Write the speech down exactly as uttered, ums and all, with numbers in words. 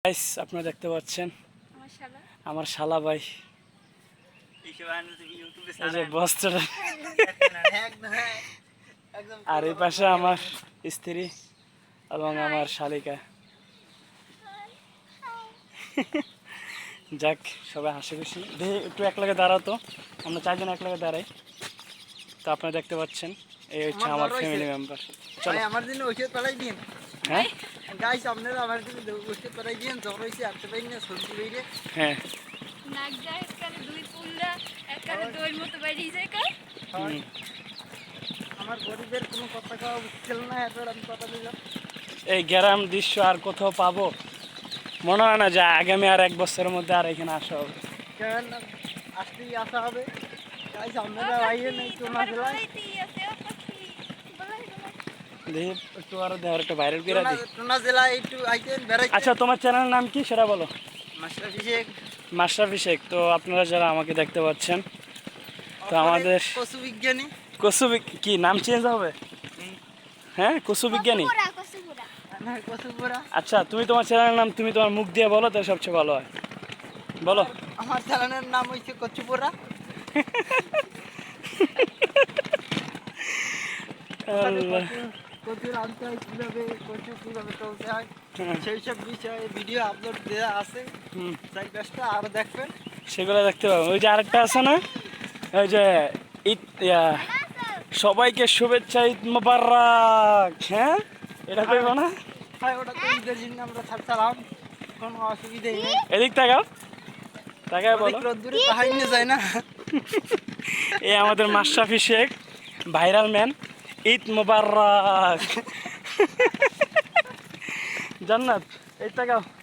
Guys আপনারা দেখতে পাচ্ছেন আমার শালা ভাই এই যে বস্ত্রটা আর এই পাশে আমার স্ত্রী এবং আমার শালিকা। যাক সবাই হাসি খুশি দেখে একটু এক লাগে দাঁড়াও তো, আমরা চারজন এক লাগে দাঁড়াই। তো আপনারা দেখতে পাচ্ছেন এই হচ্ছে আমার ফ্যামিলি মেম্বার। চলো আমার জন্য ওষুধ পাঠাই দিন। হ্যাঁ গাইস আপনারা আমার জন্য ওষুধ পাঠাই দিন, জ্বর হয়েছে আসতে পারি না, সর্দি বেরিয়ে। হ্যাঁ নাক যায় একবারে দুই পুল্লা একবারে দইয়ের মতো বেরিয়ে যায় কা। আমার গরিবের কোনো কথা কওয়া উচিত না, এত আমি কথা দিলাম। এই গ্রাম দৃশ্য আর কোথাও পাবো মনে হয় না যে আগামী আর এক বছরের মধ্যে আর এখানে আসা হবে। কেন আসতেই আসা হবে। গাইস আপনারা আইয়ে নাই তোমরা জেলায়। দেখি একটু আরো দেওয়ার একটা ভাইরাল করে দিই। তোমরা জেলায় একটু আইতেন বেড়াইতে। আচ্ছা তোমার চ্যানেলের নাম কি সেটা বলো। মাশরাফি শেখ। মাশরাফি শেখ। তো আপনারা যারা আমাকে দেখতে পাচ্ছেন তো আমাদের পশু বিজ্ঞানী কসু বিগ- কি নাম চেঞ্জ হবে? হ্যাঁ কসু বিজ্ঞানী। হ্যাঁ কসুপুরা। আচ্ছা তুমি তোমার চ্যানেলের নাম তুমি তোমার মুখ দিয়ে বলো তো সবচেয়ে ভালো হয়, বলো। আমার চ্যানেলের নাম হচ্ছে কচুপুরা। আল্লাহ। কচুর আনতে হয় কীভাবে, কচু কীভাবে তুলতে হয়, হ্যাঁ, সেই সব বিষয়ে ভিডিও আপলোড দেওয়া আছে। হুম, চাই পাঁচটা আরও দেখবেন। সেগুলো দেখতে পাবো। ওই যে আরেকটা আছে না, ওই যে ঈদ ইয়া, সবাইকে শুভেচ্ছা ঈদ মোবারক। হ্যাঁ এটা কইব না? হ্যাঁ ওটা তো ঈদের জন্য আমরা ছাড়ছিলাম, কোনো অসুবিধাই নেই। এদিক তাকাও, তাকায় বলো। রোদ্দুরে তাহাই নিয়ে যায় না। এই আমাদের মাশরাফি শেখ ভাইরাল ম্যান, ঈদ মোবারক। জান্নাত এই তাকাও।